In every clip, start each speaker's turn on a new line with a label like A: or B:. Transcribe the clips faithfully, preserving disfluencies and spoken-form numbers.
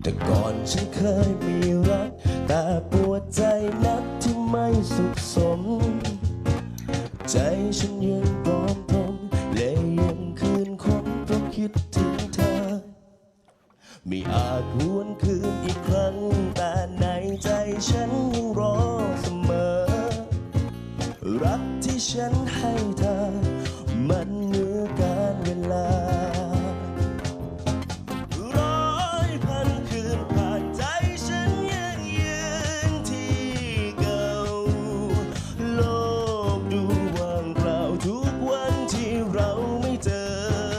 A: แต่ก่อนฉันเคยมีรักแต่ปวดใจนักที่ไม่สุขสมใจฉันยังปลอมปลอมและยังคืนคมเพราะคิดถึงเธอไม่อาจหวนคืนอีกครั้งแต่ในใจฉันยังรอเสมอรักที่ฉันให้เธอมันเหนือการเวลาร้อยพันคืนผ่านใจฉันยังยืนที่เก่าโลกดูว่างเปล่าทุกวันที่เราไม่เจอ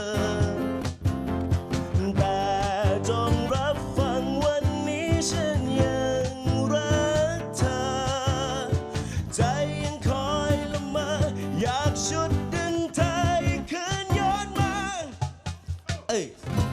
A: แต่จงรับฟังวันนี้ฉันยังรักเธอใจยังคอยละเมออยากชุดดึงเธอให้คืนย้อนมาเอ้ย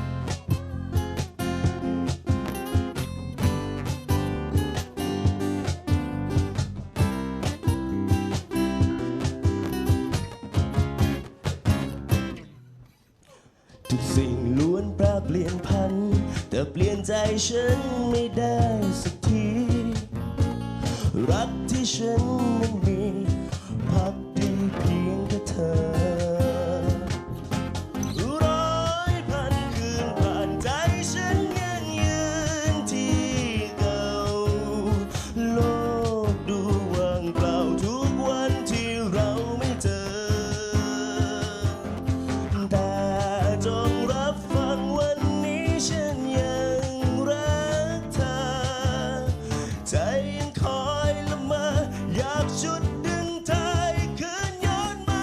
A: ทุกสิ่งล้วนแปรเปลี่ยนพันแต่เปลี่ยนใจฉันไม่ได้สักทีรักที่ฉันมันมีพักดีเพียงแค่เธอร้อยพันคืนผ่านใจฉันยังยืนที่เก่าโลกดูว่างเปล่าทุกวันที่เราไม่เจอแต่จงรับฟังวันนี้ฉันยังรักเธอใจยังคอยละเมออยากชุดดึงเธอให้คืนย้อนมา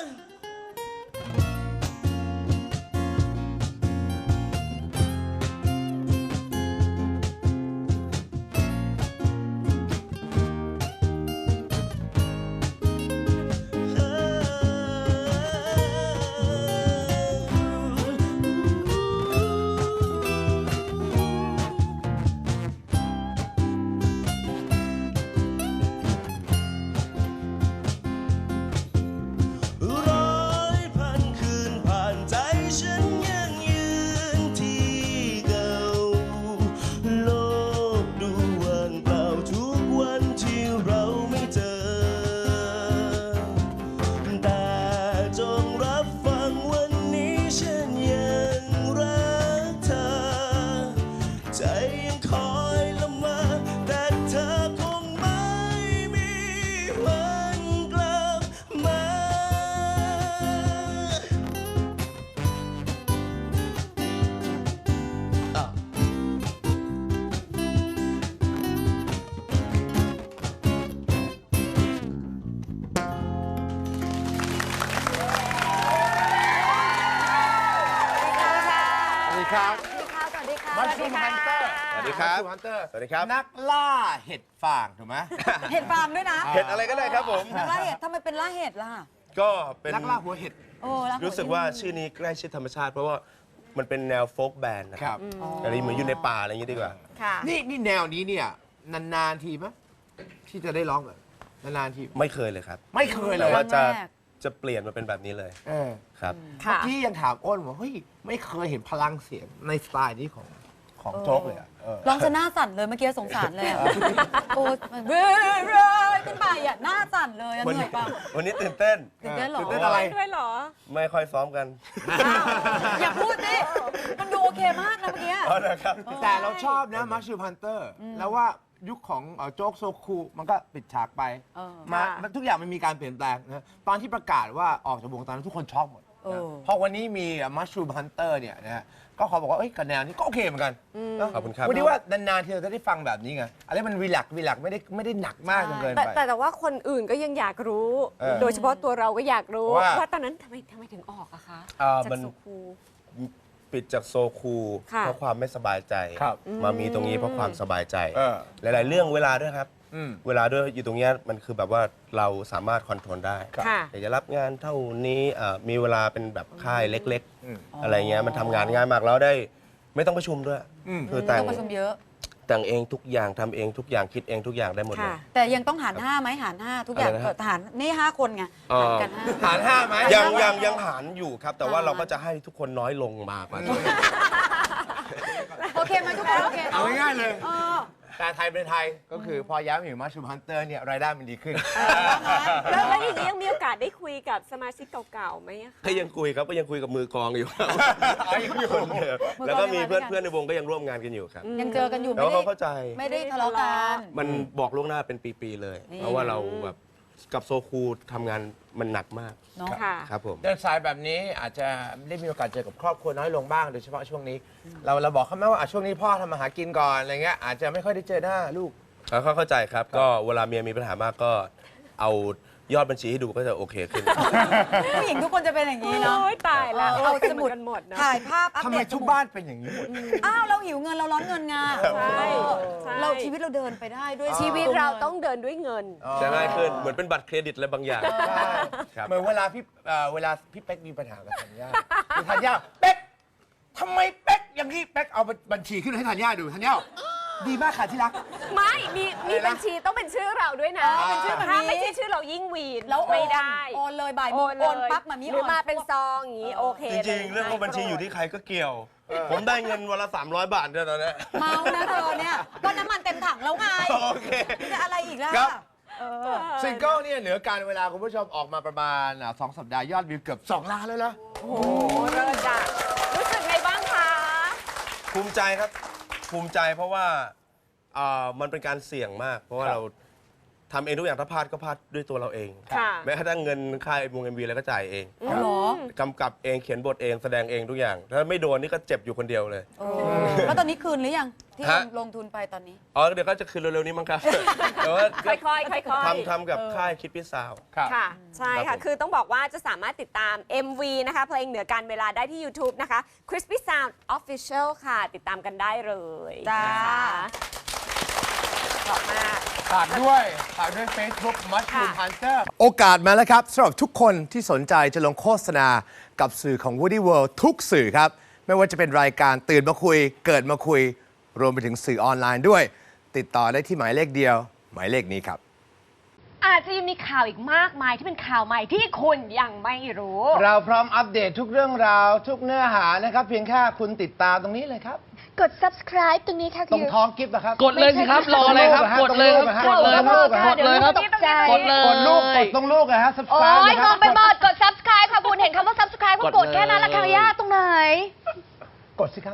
A: ร้อยพันคืนผ่านใจฉันยังยืนที่เก่าโลกดูว่างเปล่าทุกวันที่เราไม่เจอแต่จงรับฟังวันนี้ฉันยังรักเธอใจยังคอยละเมอแต่เธอคงไม่มีวันกลับมาอ่ะ
B: สวัสดีครับ
C: สวัสดีค่ะ สวัสดีค่ะ
B: มัชรูมฮันเตอร์
A: สวัสดีครับ
B: มัชรูมฮันเตอร์
A: สวัสดีครับ
B: นักล่าเห็ดฟางถูกไหม
C: เห็ดฟาร์มด้วยนะ
A: เห็ดอะไรก็ได้ครับผม
C: นักล่าเห็ดทำไมเป็นล่าเห็ดล่ะ
A: ก็เป็น
B: นักล่าหัวเห็ด
C: โอ้ล่าหั
A: รู้สึกว่าชื่อนี้ใกล้ชิดธรรมชาติ เพราะว่ามันเป็นแนวโฟล์กแบนด์นะ
B: ค
A: ค
B: รั
A: รั
B: บบ
A: อะไรเหมือนอยู่ในป่าอะไรอย่างนี้ดีกว่า
C: ค่ะ
B: นี่นี่แนวนี้เนี่ยนานๆทีมั้ยที่จะได้ร้องแบบนานๆที
A: ไม่เคยเลยครับ
B: ไม่เคยเล
A: แต่
B: ย
A: ว่าจะ
C: ครั้งแรก
A: จะเปลี่ยนมาเป็นแบบนี้เลย
B: เออ
A: ครับ
B: เมื่อ
C: ค่ะ
B: กี้ยังถามอ้นว่าเฮ้ยไม่เคยเห็นพลังเสียงในสไตล์นี้ของของโจ๊กเลยอะเออ
C: ร้องจะหน้าสั่นเลยเมื่อกี้สงสารเลยอะโอ้มันเรื่อยๆขึ้นไปอ่ะหน้าสั่นเลยอะ
A: วัน
C: เหนื่อยเปล่า
A: วันนี้ตื่นเต้น
C: ตื่นเต้นเหรอ
B: ตื่นเต้นอะไร
D: ด้วยเหรอ
A: ไม่ค่อยซ้อมกัน
C: อย่าพูดดิมันดูโอเคมากนะเมื่อกี้
A: อ๋อนะครับ
B: แต่เราชอบนะมัชรูมฮันเตอร์แล้วว่ายุคของเอ่อโจ๊กโซคูมันก็ปิดฉากไป
C: เออ
B: มา
D: ค่ะ
B: มันทุกอย่างมันมีการเปลี่ยนแปลงนะตอนที่ประกาศว่าออกจากวงตอนนั้นทุกคนช็อกหมด
C: เออ
B: เพราะวันนี้มีมัชรูมฮันเตอร์เนี่ยนะฮะก็เขาบอกว่าเอ้ยกับแนวนี้ก็โอเคเหมือนกันนะ
A: ขอบคุณครับ
B: วันนี้ว่านานๆทีเราจะได้ฟังแบบนี้ไงอะไรมันรีแลกซ์รีแลกซ์ไม่ได้ไม่ได้หนักมากจนเกิน
D: แต่
B: ไป
D: แต่แต่ว่าคนอื่นก็ยังอยากรู้
B: เออ
D: โดยเฉพาะตัวเราก็อยากรู้
B: ว่า
D: ว่าตอนนั้นทำไมทำไมถึงออกอะคะ
A: อ่า
D: จาก
A: มัน
D: โซคู
A: ปิดจากโซคู
D: ค่ะ
A: เพราะความไม่สบายใจ
B: ครับ
A: มามีตรงนี้เพราะความสบายใจ
B: เออ
A: หลาย ๆ เรื่องเวลาด้วยครับ
B: อืม
A: เวลาด้วยอยู่ตรงเนี้ยมันคือแบบว่าเราสามารถคอนโทรลได้
D: ค่ะ
A: อยากจะรับงานเท่านี้อ่ามีเวลาเป็นแบบค่ายเล็ก
B: อืม
A: ๆ อะไรเงี้ยมันทำงานง่ายมากแล้วได้ไม่ต้องประชุมด้วย
B: อืม
A: คือแต่ง
C: ต้องประชุมเยอะ
A: แต่งเองทุกอย่างทำเองทุกอย่างคิดเองทุกอย่างได้หมดเลย
D: ค่ะ
C: แต่ยังต้องหารห้าไหมหารห้าทุกอย่าง
A: อะไรนะ
C: เออหารนี่ห้าคนไง
A: เอ่อ
C: หารกันห้า
B: หารห้าไหม
A: ยังยังยังหารอยู่ครับ แต่ว่า
C: อ่า
A: เราก็จะให้ทุกคนน้อยลงมากกว่า
B: อืม
A: เพ
C: โอเคไหมทุกคนโอเค
B: เอาง่ายๆเลย
C: เออ
B: แต่ไทยเป็นไทยก็คือพอย้ายมาอยู่มัชชูฮันเตอร์เนี่ยรายได้มันดีขึ้น
D: แล้วแล้วอย่างนี้ยังมีโอกาสได้คุยกับสมาชิกเก่าๆไหมอะคะ
E: ก็ยังคุยครับก็ยังคุยกับมือกลองอยู่
B: อ๋อยังอยู่
E: คนเดิม
C: มือกลอง
E: แล้วก็มี
C: ยังมาด้
E: เพื่
C: ว
E: อย น
C: กัน
E: เพื่อนในวงก็ยังร่วมงานกันอยู่ครับ
C: ยังเจอกันอยู่
E: แล้ว
C: ไม่
E: เขา
C: ได้
E: เข้าใจ
C: ไม่ได้ทะเลาะกัน
E: มันบอกล่วงหน้าเป็นปีๆเลย
C: นี่
E: เพราะว่าเราแบบกับโซคูทำงานมันหนักมาก
C: เนาะ
D: ค่ะ
E: ครับผม
B: เดินสายแบบนี้อาจจะได้มีโอกาสเจอกับครอบครัวน้อยลงบ้างโดยเฉพาะช่วงนี้ เราเราบอกเขาไหมว่าอ่ะช่วงนี้พ่อทำมาหากินก่อนอะไรเงี้ยอาจจะไม่ค่อยได้เจอหน้าลูก
E: แล้วเขาเข้าใจครับ ก็เวลาเมียมีปัญหามากก็เอายอดบัญชีให้ดูก็จะโอเคขึ้น
C: ผู้หญิงทุกคนจะเป็นอย่างนี้เนาะ
D: โอ้ยตายแล้ว
C: เอา
D: เป็น
C: ส
D: เห
C: มุ
D: มื
C: ด
D: อนกันหมดเนอะ
C: ถ่ายภาพอัป
B: ทำ
C: เด
B: ไม
C: ต
B: ทุกบ้านเป็นอย่างนี้หมด
C: อ้าวเราหิวเงินเราร้อนเงินไง
D: ใช่ใช่
C: เราชีวิตเราเดินไปได้ด้วย
D: ชีวิตเราต้องเดินด้วยเงิน
E: จะง่ายขึ้นเหมือนเป็นบัตรเครดิตอะไรบางอย่าง
B: ใช่
E: ครับ
B: เหมือนเวลาพี่เอ่อเวลาพี่เป๊กมีปัญหากับธัญญาคือธัญญาเป๊กทำไมเป๊กอย่างนี้เป๊กเอาบัญชีขึ้นให้ธัญญาดูธัญญาดีมากค่ะที่รัก
D: ไม่ มีมี
B: อะไรนะ
D: บัญชีต้องเป็นชื่อเราด้วยนะ
C: อ๋อเป็นชื่อแบบนี้
D: ถ้าไม่ใช่ชื่อเรายิ่งวีน
C: แล้วโอน
D: ไม่ได้
C: โอนเลยบ่ายโม
D: โอง นเล
C: โอน
D: ย
C: ปั๊บมามี
D: หรือ
C: โอน
D: มาเป็นซองอย่างนี้โอเค
E: จริงๆ เรื่องของบัญชีอยู่ที่ใครก็เกี่ยว ผมได้เงินวันละสามร้อยบาทเนี่ยตอนเนี้ย
C: เมานะเธอเนี่ยก็น้ำมันเต็มถังแล้วไง
E: โอเค
C: จะอะไรอีกล่ะ
B: ครับ
C: เออ
B: ซิงเกิลเนี่ยเหนือการเวลาคุณผู้ชมออกมาประมาณอ่ะสองสัปดาห์ยอดวิวเกือบสองล้านแล้วนะ
D: โอ้โหเลิศจ้ะรู้สึกไงบ้างคะ
E: ภูมิใจครับ ภูมิใจเพราะว่าอ่ามันเป็นการเสี่ยงมาก เพราะว่า
B: ครับ
E: เราทำเองทุกอย่างถ้าพลาดก็พลาดด้วยตัวเราเอง
D: ค่ะ
E: แม้กระทั่งเงินค่ายวงเอ็มวีอะไรก็จ่ายเอง
C: เอาเหรอก
E: ำกับเองเขียนบทเองแสดงเองทุกอย่าง ถ้าไม่โดนนี่ก็เจ็บอยู่คนเดียวเลย
C: เออแล้วตอนนี้คืนหรือยัง ที่
E: ฮะ
C: ลงทุนไปตอนนี้
E: อ๋อเดี๋ยวก็จะคืนเร็วๆนี้มั้งครับ แต่ว่า
D: ค่อยๆค่อยๆ
E: ทำทำกับค่ายคิดพิซาว
B: ครับ
D: ค่ะ ใช่
E: ครั
D: ค่ะ
E: บผม
D: คือต้องบอกว่าจะสามารถติดตาม เอ็ม วี นะคะ เพลงเหนือการเวลาได้ที่ YouTube นะคะ Crispy Sound Official ค่ะ ติดตามกันได้เลย
C: จ้า
D: นะคะขอบมาก
B: ฝากด้วยฝากด้วย Facebook Mushroom
D: ค่ะ
B: Hunter โอกาสมาแล้วครับสำหรับทุกคนที่สนใจจะลงโฆษณากับสื่อของ Woody World ทุกสื่อครับ ไม่ว่าจะเป็นรายการตื่นมาคุย เกิดมาคุย รวมไปถึงสื่อออนไลน์ด้วย ติดต่อได้ที่หมายเลขเดียว หมายเลขนี้ครับ
F: อาจจะยังมีข่าวอีกมากมายที่เป็นข่าวใหม่ที่คุณยังไม่รู้
B: เราพร้อมอัปเดตทุกเรื่องราว ทุกเนื้อหานะครับ เพียงแค่คุณติดตามตรงนี้เลยครับ
F: กด subscribe ตรงนี้ค่ะ
B: ตรงท้องกิฟต์นะครับ
G: กดเลยสิครับ รออะไรครับ กดเลยครับ กดเลยครับ กดเลยครับ
F: ตกใจ
G: กดเลย
B: กดลูกกดตรงลูกนะฮะ
F: โอ้
B: subscribe
F: ย
B: นะค
F: ม
B: รั
F: องไปหมดกด subscribe ค่ะคุณเห็นคำว่า subscribe ก็กดแค่นั้นละค่ะยากตรงไหน
B: กดสิครับ